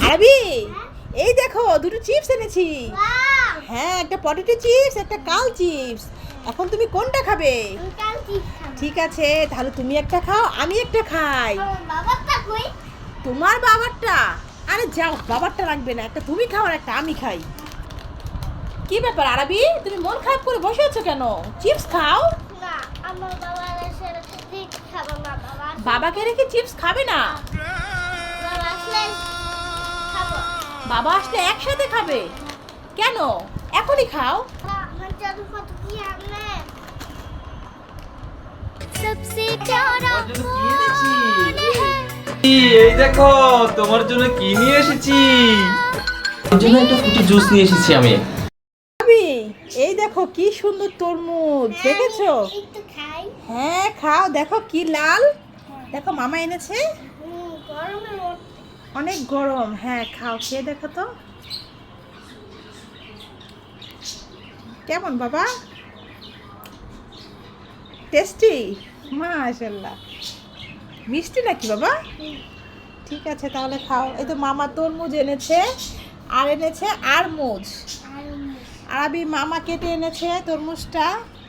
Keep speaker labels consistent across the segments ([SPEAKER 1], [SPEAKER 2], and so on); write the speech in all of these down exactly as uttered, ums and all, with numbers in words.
[SPEAKER 1] আরবি, এই দেখো দুটো চিপস এনেছি। হ্যাঁ, একটা পটেটো চিপস, একটা কাল চিপস। এখন তুমি কোনটা খাবে? ঠিক আছে, তাহলে তুমি একটা খাও, আমি একটা খাই। তোমার বাবারটা? আরে যাও, বাবারটা লাগবে না, একটা তুমি খাও আর একটা আমি খাই। কি ব্যাপার আরবি, তুমি মন খারাপ করে বসে আছো কেন? চিপস খাও। বাবাকে রেখে চিপস খাবে না? বাবা আসলে একসাথে খাবে কেন? এখনই খাও।
[SPEAKER 2] এই দেখো তোমার জন্য কি নিয়ে এসেছি। এর জন্য একটা ফ্রুটি জুস নিয়ে এসেছি আমি।
[SPEAKER 1] আরবি, এই দেখো কি সুন্দর তরমুজ, দেখেছো? হ্যাঁ খাও, দেখো কি লাল। দেখো মামা এনেছে, অনেক গরম। হ্যাঁ খাও, খেয়ে দেখো তো কেমন বাবা, টেস্টি? মাশাআল্লাহ, মিষ্টি নাকি বাবা? ঠিক আছে তাহলে খাও। এই তো মামা তরমুজ এনেছে, আর এনেছে আরমুজ। আরবি মামা কেটে এনেছে তরমুজটা।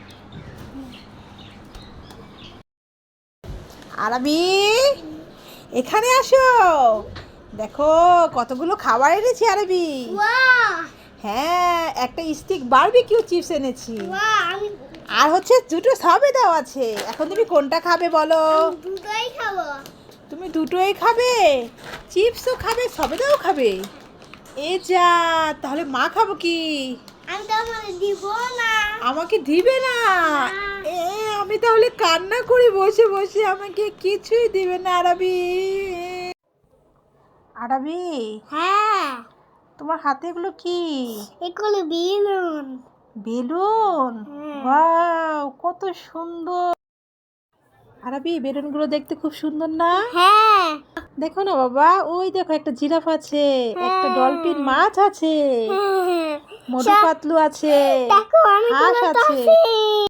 [SPEAKER 1] আরবি, এখানে আসো, দেখো কতগুলো খাবার এনেছি আরবি। হ্যাঁ, একটা স্টিক বারবিকিউ চিপস এনেছি, আর হচ্ছে দুটো সবেদাও আছে। এখন তুমি কোনটা খাবে বলো?
[SPEAKER 3] দুটোই খাবো।
[SPEAKER 1] তুমি দুটোই খাবে? চিপসও খাবে, সবেদাও খাবে? এ যা, তাহলে মা খাবো কি?
[SPEAKER 3] আমি তো আমাকে দিব না।
[SPEAKER 1] আমাকে দিবে না? এ আমি তাহলে কান্না করি বসে বসে, আমাকে কিছুই দিবে না আরবি। আরবি,
[SPEAKER 3] হ্যাঁ,
[SPEAKER 1] তোমার হাতে এগুলো কি?
[SPEAKER 3] এগুলো বেলুন।
[SPEAKER 1] বেলুন?
[SPEAKER 3] হ্যাঁ।
[SPEAKER 1] ওয়াও, কত সুন্দর। আরবি, বেলুনগুলো দেখতে খুব সুন্দর না?
[SPEAKER 3] হ্যাঁ,
[SPEAKER 1] দেখো না বাবা, ওই দেখো একটা জিরাফ আছে, একটা ডলফিন মাছ আছে,
[SPEAKER 3] হ্যাঁ।
[SPEAKER 1] মধু পাতলু আছে,
[SPEAKER 3] দেখো আমি
[SPEAKER 1] হাঁস আছে।